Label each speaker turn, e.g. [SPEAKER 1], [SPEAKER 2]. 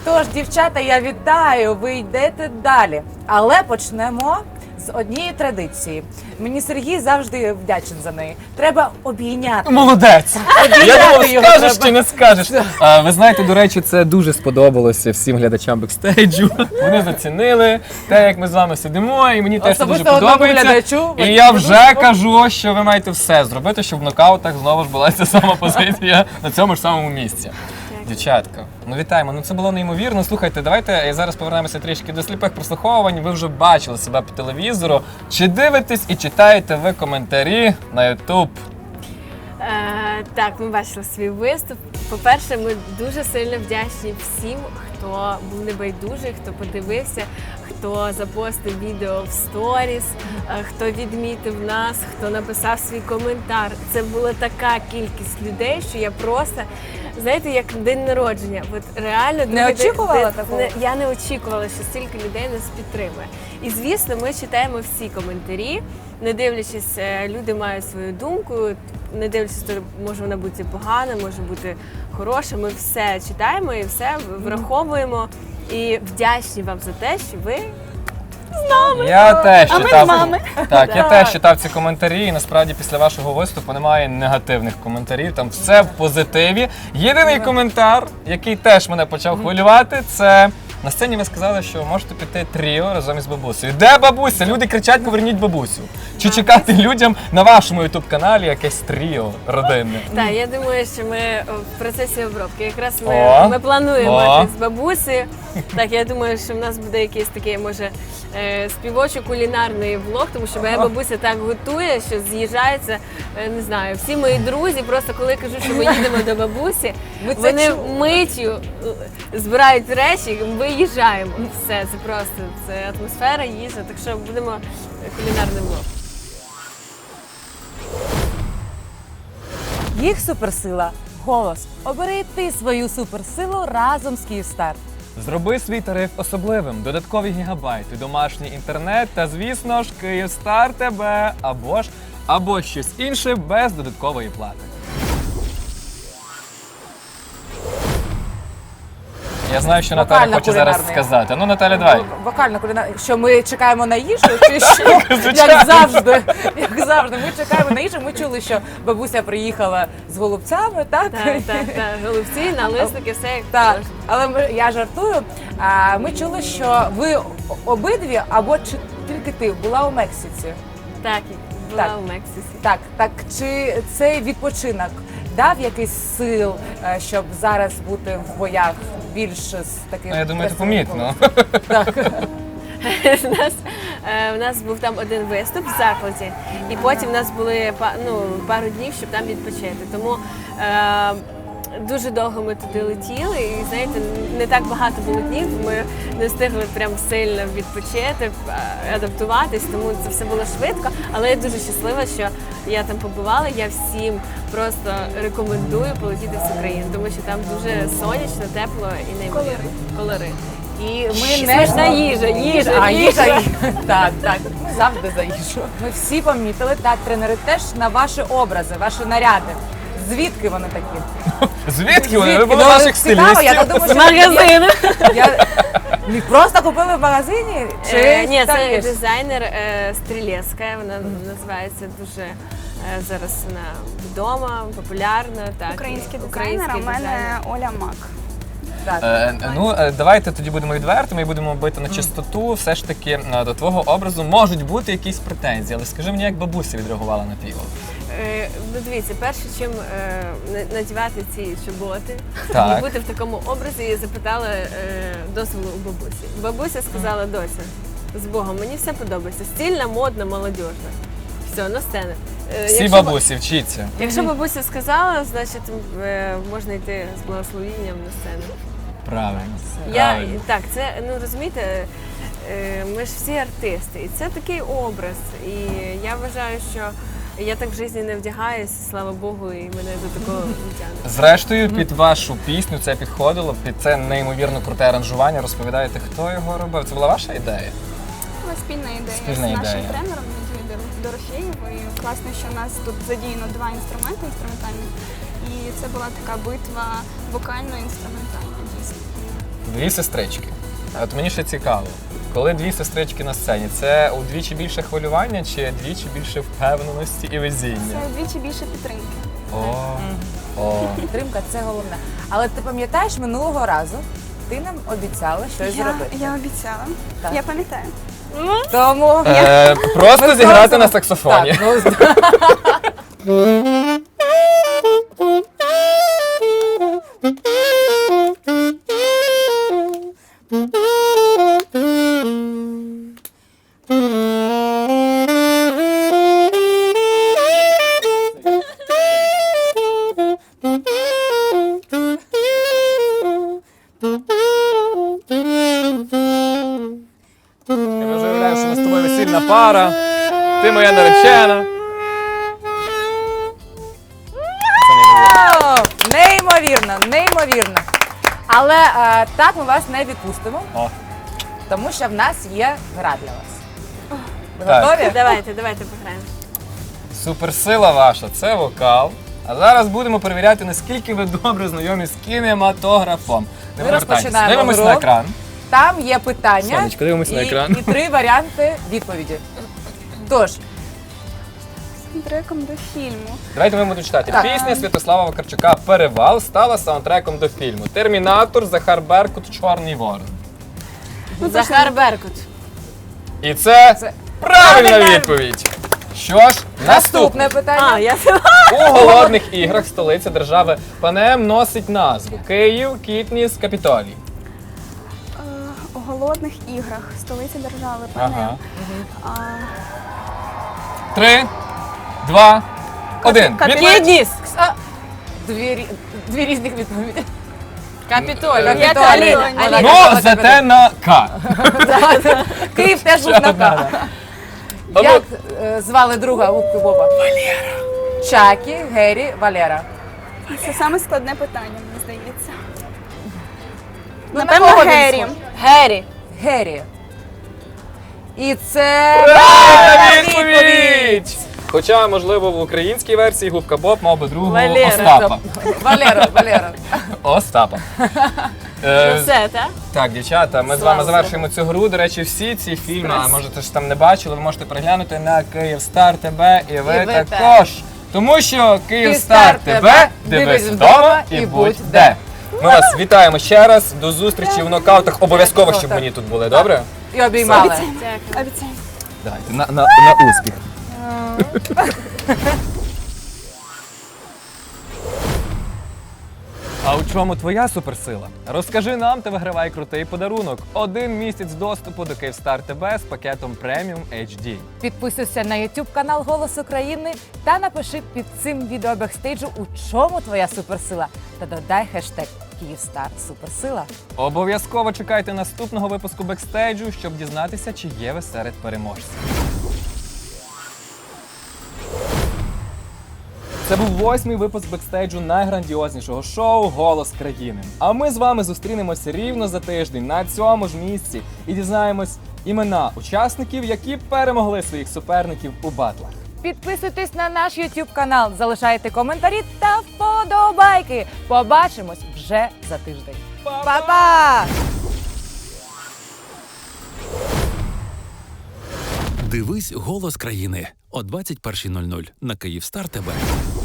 [SPEAKER 1] Тож, дівчата, я вітаю, ви йдете далі. Але почнемо з однієї традиції. Мені Сергій завжди вдячен за неї. Треба обійняти.
[SPEAKER 2] Молодець! Я думав,
[SPEAKER 1] його
[SPEAKER 2] скажеш
[SPEAKER 1] треба.
[SPEAKER 2] чи не скажеш. Ви знаєте, до речі, це дуже сподобалося всім глядачам бекстейджу. Вони зацінили те, як ми з вами сидимо, і мені теж це дуже
[SPEAKER 1] Особисто одному
[SPEAKER 2] подобається.
[SPEAKER 1] глядачу.
[SPEAKER 2] І я вже кажу, що ви маєте все зробити, щоб в нокаутах знову ж була ця сама позиція на цьому ж самому місці. Дівчатка, ну вітаємо, ну це було неймовірно. Слухайте, давайте зараз повернемося трішки до сліпих прослуховувань. Ви вже бачили себе по телевізору. Чи дивитесь і читаєте ви коментарі на YouTube?
[SPEAKER 3] Так, ми бачили свій виступ. По-перше, ми дуже сильно вдячні всім, хто був небайдужий, хто подивився, хто запостив відео в сторіс, хто відмітив нас, хто написав свій коментар. Це була така кількість людей, що я просто, знаєте, як день народження. От реально
[SPEAKER 1] Не очікувала такого?
[SPEAKER 3] Я не очікувала, що стільки людей нас підтримує. І звісно, ми читаємо всі коментарі, не дивлячись, люди мають свою думку, не дивлячись, то може вона бути погана, може бути хороша. Ми все читаємо і все враховуємо. І вдячні вам за те, що ви з нами.
[SPEAKER 2] Я теж
[SPEAKER 3] А ми
[SPEAKER 2] читав.
[SPEAKER 3] з вами.
[SPEAKER 2] Так, я теж читав ці коментарі, і насправді після вашого виступу немає негативних коментарів. Там все в позитиві. Єдиний коментар, який теж мене почав хвилювати, це на сцені ви сказали, що можете піти тріо разом із бабусею. Де бабуся? Люди кричать: поверніть бабусю. Чи чекати людям на вашому ютуб-каналі якесь тріо родинне?
[SPEAKER 3] Так, я думаю, що ми в процесі обробки. Якраз
[SPEAKER 2] О,
[SPEAKER 3] ми плануємо
[SPEAKER 2] о.
[SPEAKER 3] з бабусею. Так, я думаю, що в нас буде якийсь такий, може, співочо-кулінарний влог, тому що моя бабуся так готує, що з'їжджаються, не знаю, всі мої друзі. Просто коли кажу, що ми їдемо до бабусі,
[SPEAKER 1] Ми це
[SPEAKER 3] вони
[SPEAKER 1] чули.
[SPEAKER 3] миттю збирають речі, виїжджаємо. Все, це просто це атмосфера, їжа. Так що будемо кулінарний влог.
[SPEAKER 1] Їх суперсила – голос. Обери і ти свою суперсилу разом з Київстар.
[SPEAKER 2] Зроби свій тариф особливим, додаткові гігабайти, домашній інтернет та, звісно ж, Київстар тебе або щось інше без додаткової плати. Я знаю, що Наталя хоче зараз
[SPEAKER 1] Вокально-кулінарний.
[SPEAKER 2] сказати. Ну, Наталя, давай.
[SPEAKER 1] Вокально кулінарний. Що ми чекаємо на їжу, чи що? Як завжди. Як завжди. Ми чекаємо на їжу. Ми чули, що бабуся приїхала з голубцями, так?
[SPEAKER 3] Так, голубці, налисники, все як
[SPEAKER 1] Так,
[SPEAKER 3] положено.
[SPEAKER 1] але я жартую. Ми чули, що ви обидві, або чи тільки ти, була у Мексиці.
[SPEAKER 3] Так, була
[SPEAKER 1] Так.
[SPEAKER 3] у Мексиці.
[SPEAKER 1] Так, чи цей відпочинок дав якийсь сил, щоб зараз бути в боях більш з таким...
[SPEAKER 2] Ну, я думаю, це
[SPEAKER 1] красивим
[SPEAKER 2] помітно.
[SPEAKER 1] голосом? Так.
[SPEAKER 3] У нас був там один виступ в закладі, і потім в нас були пару днів, щоб там відпочити. Тому дуже довго ми туди летіли, і знаєте, не так багато було днів. Ми не встигли прям сильно відпочити, адаптуватись, тому це все було швидко. Але я дуже щаслива, що я там побувала. Я всім просто рекомендую полетіти в цю країну, тому що там дуже сонячно, тепло і неймовірно. Колорит.
[SPEAKER 1] І ми
[SPEAKER 3] Смачна їжа.
[SPEAKER 1] їжа. Так, ми завжди за їжу. Ми всі помітили, так, тренери теж на ваші образи, ваші наряди. Звідки вони такі?
[SPEAKER 2] Звідки вони? Ви
[SPEAKER 1] Звідки?
[SPEAKER 2] були
[SPEAKER 1] Ну,
[SPEAKER 2] ваших
[SPEAKER 1] цікаво, я
[SPEAKER 2] стилістів?
[SPEAKER 1] думаю,
[SPEAKER 3] З магазину.
[SPEAKER 1] Не просто купили в магазині? Чи
[SPEAKER 3] Ні,
[SPEAKER 1] там
[SPEAKER 3] це
[SPEAKER 1] є?
[SPEAKER 3] дизайнер Стрілецька, вона називається дуже, зараз вона вдома, популярна. Так,
[SPEAKER 4] Український дизайнер, а в мене Оля Мак.
[SPEAKER 1] Так.
[SPEAKER 2] Давайте тоді будемо відвертими і будемо бити на чистоту. Все ж таки, до твого образу можуть бути якісь претензії, але скажи мені, як бабуся відреагувала на твій образ?
[SPEAKER 3] Ну, дивіться, перше, чим надівати ці чоботи
[SPEAKER 2] Так.
[SPEAKER 3] і бути в такому образі, я запитала дозволу у бабусі. Бабуся сказала: доця, з Богом, мені все подобається. Стильна, модна, молодіжна. Все, на сцену.
[SPEAKER 2] Всі бабусі, вчіться.
[SPEAKER 3] Якщо бабуся сказала, значить можна йти з благословінням на сцену.
[SPEAKER 2] Правильно.
[SPEAKER 3] Так, це, ну розумієте, ми ж всі артисти, і це такий образ. І я вважаю, що я так в житті не вдягаюся, слава Богу, і мене до такого не тягне.
[SPEAKER 2] Зрештою, під вашу пісню це підходило, під це неймовірно круте аранжування. Розповідаєте, хто його робив? Це була ваша ідея?
[SPEAKER 4] Була спільна ідея
[SPEAKER 2] Спільна
[SPEAKER 4] з нашим
[SPEAKER 2] ідея.
[SPEAKER 4] тренером Надією Дорофєєвою. І класно, що в нас тут задіяно два інструменти інструментальні. І це була така битва вокально-інструментальна, дійсно.
[SPEAKER 2] дві сестрички. От мені ще цікаво, коли дві сестрички на сцені, це удвічі більше хвилювання чи двічі більше впевненості і везіння?
[SPEAKER 4] Це вдвічі більше підтримки.
[SPEAKER 2] О.
[SPEAKER 1] Підтримка це головне. Але ти пам'ятаєш, минулого разу ти нам обіцяла щось зробити.
[SPEAKER 4] Я обіцяла.
[SPEAKER 1] Так.
[SPEAKER 4] Я пам'ятаю.
[SPEAKER 1] Тому
[SPEAKER 2] Просто зіграти на саксофоні.
[SPEAKER 1] Так,
[SPEAKER 2] Я вже уявляю, що ми з тобою весільна пара, ти моя наречена.
[SPEAKER 1] О, неймовірно, неймовірно. Але так ми вас не відпустимо,
[SPEAKER 2] О.
[SPEAKER 1] тому що в нас є гра для вас. Ви
[SPEAKER 2] Так.
[SPEAKER 1] готові?
[SPEAKER 3] Давайте пограємо.
[SPEAKER 2] Суперсила ваша це вокал. А зараз будемо перевіряти, наскільки ви добре знайомі з кінематографом. Не
[SPEAKER 1] Ми
[SPEAKER 2] повертайтесь.
[SPEAKER 1] розпочинаємо
[SPEAKER 2] Дивимось
[SPEAKER 1] гру.
[SPEAKER 2] на екран.
[SPEAKER 1] Там є питання
[SPEAKER 2] Сонечко, дивимось на екран.
[SPEAKER 1] і 3 варіанти відповіді. Тож,
[SPEAKER 4] Саундтреком до фільму.
[SPEAKER 2] Давайте ми будемо читати.
[SPEAKER 1] Так.
[SPEAKER 2] Пісня Святослава Вакарчука «Перевал» стала саундтреком до фільму. Термінатор, Захар Беркут, Чорний ворон.
[SPEAKER 3] Захар Беркут.
[SPEAKER 2] І це
[SPEAKER 1] Це
[SPEAKER 2] правильна
[SPEAKER 1] правильно.
[SPEAKER 2] відповідь. Що ж,
[SPEAKER 1] наступне
[SPEAKER 2] наступне.
[SPEAKER 1] питання.
[SPEAKER 3] Я
[SPEAKER 2] У голодних іграх столиця держави Панем носить назву Київ, Кітніс, Капітолій.
[SPEAKER 4] У голодних іграх столиця держави
[SPEAKER 2] Ага.
[SPEAKER 4] Панем.
[SPEAKER 2] 3, 2, 1.
[SPEAKER 3] Кідніс.
[SPEAKER 1] Дві різних відповіді.
[SPEAKER 3] Капітолій.
[SPEAKER 1] Капітолій.
[SPEAKER 3] Я Аліна.
[SPEAKER 1] Аліна.
[SPEAKER 3] Аліна.
[SPEAKER 2] Ну, зате на К.
[SPEAKER 1] Київ теж був на К. Як звали друга у Боба? Валера. Чакі, Гері, Валера.
[SPEAKER 4] Це саме складне питання, мені здається.
[SPEAKER 1] Ну,
[SPEAKER 4] Напевно,
[SPEAKER 1] на кого він
[SPEAKER 4] Гері.
[SPEAKER 1] схожий?
[SPEAKER 3] Гері.
[SPEAKER 1] Гері. І це
[SPEAKER 2] Правильна
[SPEAKER 1] правильна
[SPEAKER 2] відповідь! Хоча, можливо, в українській версії Губка Боб мав би другого
[SPEAKER 3] Валера.
[SPEAKER 2] Остапа.
[SPEAKER 1] Валера.
[SPEAKER 2] Остапа.
[SPEAKER 3] Ну все, так?
[SPEAKER 2] Так, дівчата, ми з
[SPEAKER 3] Слава
[SPEAKER 2] вами завершуємо цю гру. До речі, всі ці фільми, а можете ж там не бачили, ви можете переглянути на Київстар ТБ і ви
[SPEAKER 1] ви
[SPEAKER 2] також. Тому що Київстар ТБ дивись вдома і будь де. Ми вас вітаємо ще раз. До зустрічі в нокаутах. Обов'язково, щоб мені тут були, добре?
[SPEAKER 1] І обіймали.
[SPEAKER 3] Дякую.
[SPEAKER 4] Обіцяю.
[SPEAKER 2] Давайте, на успіх. А у чому твоя суперсила? Розкажи нам та вигравай крутий подарунок. 1 місяць доступу до Київстар ТБ з пакетом Premium HD.
[SPEAKER 1] Підписуйся на YouTube канал Голос України та напиши під цим відео бекстейджу, у чому твоя суперсила. Та додай хештег Київстар Суперсила.
[SPEAKER 2] Обов'язково чекайте наступного випуску бекстейджу, щоб дізнатися, чи є ви серед переможців. Це був 8-й випуск бекстейджу найграндіознішого шоу «Голос країни». А ми з вами зустрінемося рівно за тиждень на цьому ж місці і дізнаємось імена учасників, які перемогли своїх суперників у батлах.
[SPEAKER 1] Підписуйтесь на наш YouTube канал, залишайте коментарі та вподобайки. Побачимось вже за тиждень. Па-па!
[SPEAKER 5] Дивись «Голос країни» о 21:00 на Київстар ТБ.